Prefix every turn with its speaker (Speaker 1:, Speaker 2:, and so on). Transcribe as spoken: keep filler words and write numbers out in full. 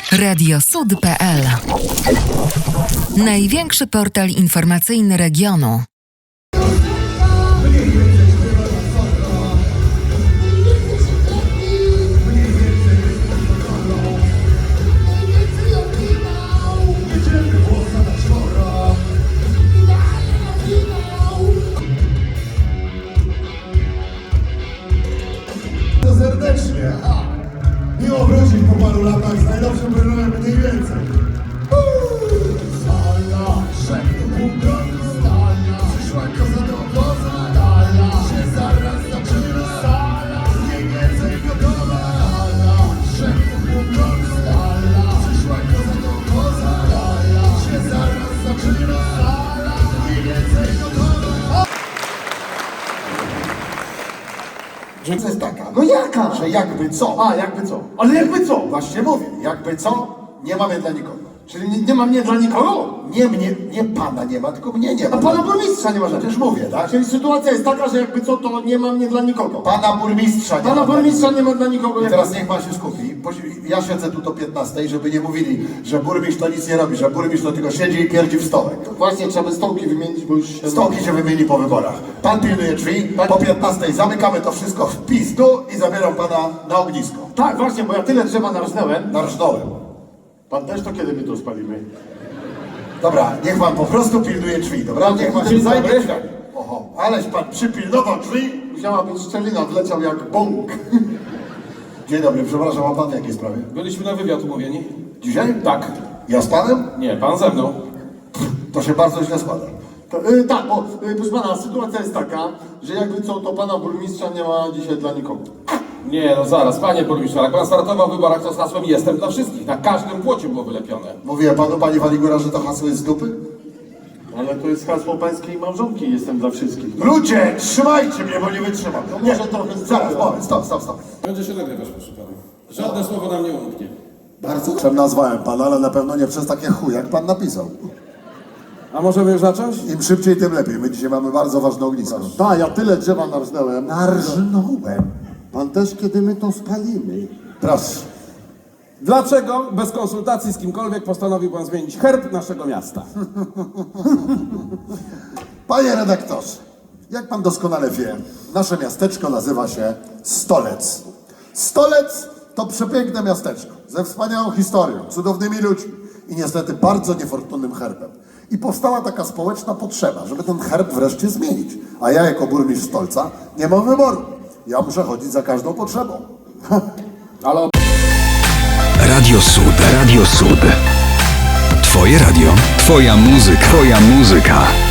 Speaker 1: radiosud kropka pe el. Największy portal informacyjny regionu.
Speaker 2: Serdecznie. Miło wrócić po paru latach z najlepszym programem mniej więcej. Stala, szedł bunkra, stala, przyszła koza do woza, stala, się zaraz zaczyna, stala, mniej więcej gotowa, stala, szedł bunkra, stala, przyszła koza do woza, stala, się zaraz zaczyna, stala, mniej więcej gotowa.
Speaker 3: Że to jest taka, no jaka? Że jakby co?
Speaker 2: A, jakby co?
Speaker 3: Ale jakby co?
Speaker 2: Właśnie mówię, jakby co, nie mamy dla nikogo.
Speaker 3: Czyli nie, nie ma mnie dla nikogo?
Speaker 2: Nie mnie, nie pana nie ma, tylko mnie nie ma.
Speaker 3: A pana burmistrza nie ma.
Speaker 2: Przecież mówię, tak?
Speaker 3: Czyli sytuacja jest taka, że jakby co, to nie ma mnie dla nikogo.
Speaker 2: Pana burmistrza nie
Speaker 3: Pana
Speaker 2: ma.
Speaker 3: burmistrza nie ma dla nikogo.
Speaker 2: I
Speaker 3: jakby-
Speaker 2: teraz niech pan się skupi. bo Ja siedzę tu do piętnastej, żeby nie mówili, że burmistrz to nic nie robi, że burmistrz to tylko siedzi i pierdzi w stołek.
Speaker 3: Właśnie trzeba by stołki wymienić, bo już się...
Speaker 2: Stołki się wymieni po wyborach. Pan pilnuje drzwi, po piętnastej zamykamy to wszystko w pizdu i zabieram pana na ognisko.
Speaker 3: Tak, właśnie, bo ja tyle drzewa narżnęłem.
Speaker 2: Narżnąłem.
Speaker 3: Pan też to kiedy my to spalimy?
Speaker 2: Dobra, niech pan po prostu pilnuje drzwi, dobra? Niech pan się
Speaker 3: Dzień
Speaker 2: zajmie
Speaker 3: dobry.
Speaker 2: drzwiami. Oho, aleś pan przypilnował drzwi.
Speaker 3: Musiała być szczelina, wleciał jak bąk.
Speaker 2: Dzień dobry, przepraszam, a pan w jakiej sprawie?
Speaker 4: Byliśmy na wywiad umówieni?
Speaker 2: Dzisiaj?
Speaker 4: Tak.
Speaker 2: Ja z panem?
Speaker 4: Nie, pan ze mną.
Speaker 2: To się bardzo źle składa.
Speaker 3: To, y, tak, bo y, proszę pana, sytuacja jest taka, że jakby co, to pana burmistrza nie ma dzisiaj dla nikogo.
Speaker 4: Nie, no zaraz, panie burmistrzu, jak pan startował w wyborach, to z hasłem "Jestem dla wszystkich". Na każdym płocie było wylepione.
Speaker 2: Mówiłem panu, panie Waligura, że to hasło jest z dupy?
Speaker 3: Ale to jest hasło pańskiej małżonki, jestem dla wszystkich.
Speaker 2: Ludzie, trzymajcie mnie, bo nie wytrzymam.
Speaker 3: No może trochę z
Speaker 2: Zaraz,
Speaker 3: tyłu.
Speaker 2: moment, stop, stop, stop.
Speaker 4: Będzie się nagrywać, proszę pana. Żadne słowo nam nie umknie.
Speaker 2: Bardzo czym nazwałem pana, ale na pewno nie przez takie chuj, jak pan napisał.
Speaker 4: A możemy już zacząć?
Speaker 2: Im szybciej, tym lepiej. My dzisiaj mamy bardzo ważne ognisko.
Speaker 3: Tak, ja tyle drzewa narżnęłem.
Speaker 2: Narżnąłem.
Speaker 3: Pan też, kiedy my to spalimy.
Speaker 2: Proszę.
Speaker 4: Dlaczego bez konsultacji z kimkolwiek postanowił pan zmienić herb naszego miasta?
Speaker 2: Panie redaktorze, jak pan doskonale wie, nasze miasteczko nazywa się Stolec. Stolec to przepiękne miasteczko, ze wspaniałą historią, cudownymi ludźmi i niestety bardzo niefortunnym herbem. I powstała taka społeczna potrzeba, żeby ten herb wreszcie zmienić. A ja jako burmistrz Stolca nie mam wyboru. Ja muszę chodzić za każdą potrzebą.
Speaker 4: Ale
Speaker 5: Radio Sud, Radio Sud. Twoje radio, twoja muzyka, twoja muzyka.